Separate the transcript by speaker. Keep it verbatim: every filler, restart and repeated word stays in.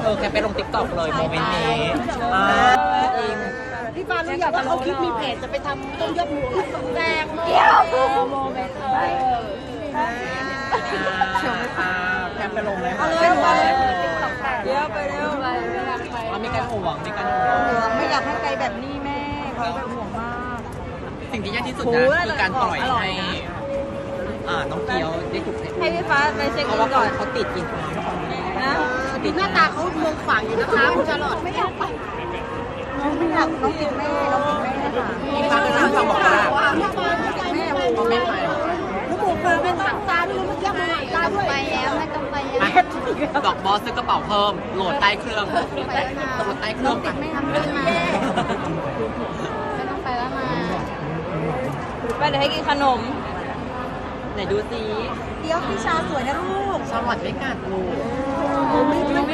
Speaker 1: เออแค่ไปลงติ๊กต็อกเลยโมเมนต์นี้จริง
Speaker 2: พี่ปารู้อยากจะเอาคลิปมีเพจจะไปทำต้มยำหมูแดงเดียว
Speaker 3: โมเมนต์เลย
Speaker 1: แค่ไปลงเลย
Speaker 2: เอาเลยเอาเลย
Speaker 3: เดี๋ยวไปเร็วไปไม่อยากไป
Speaker 1: ว่ามีการห่วงมีการห่วง
Speaker 2: ไม่อยากให้ไกลแบบนี้แม่เขาเป็นห่วงมาก
Speaker 1: สิ่งที่ยากที่สุดนะคือการปล่อยให้อ่าน้องเกียวได้ถูก
Speaker 3: ให้พี่ฟ้าไปเช็ค
Speaker 1: เพ
Speaker 3: อิ
Speaker 1: ราะ
Speaker 3: น
Speaker 1: ว่า
Speaker 3: ก่อน
Speaker 1: เขาติดกิน
Speaker 3: นะ
Speaker 2: ติดหน้าตาเขาเมืองฝังอยู่นะคะคุณชาลอตไม่อยากไปน้องไม่อยากน้องติดแม่น้องติดแม่ค่ะ
Speaker 1: มีฟ้าก็นั่งฟังบอกว่า
Speaker 2: แม่แม่
Speaker 1: เขาไม่ไป
Speaker 2: ลูกหมูเคยเป็นตังตาด้วยเมื่อกี้มันตาด้วย
Speaker 3: ไปแล้วไม่ต้องไปแล้ว
Speaker 1: ดอกบอสซื้อกระเป๋าเพิ่มโหลดใต้เครื่องโหลดใต้เครื่องไป
Speaker 3: ไม่ทำเรื่องมาไม่ต้องไปแล้วมาไปเดี๋ยวให้กินขนม
Speaker 1: ไหนดูสิ
Speaker 2: เดี๋ยวพี่ชาสวยนะลูก
Speaker 1: สวัสดีไม่กัดลูก
Speaker 2: ไม่ไม่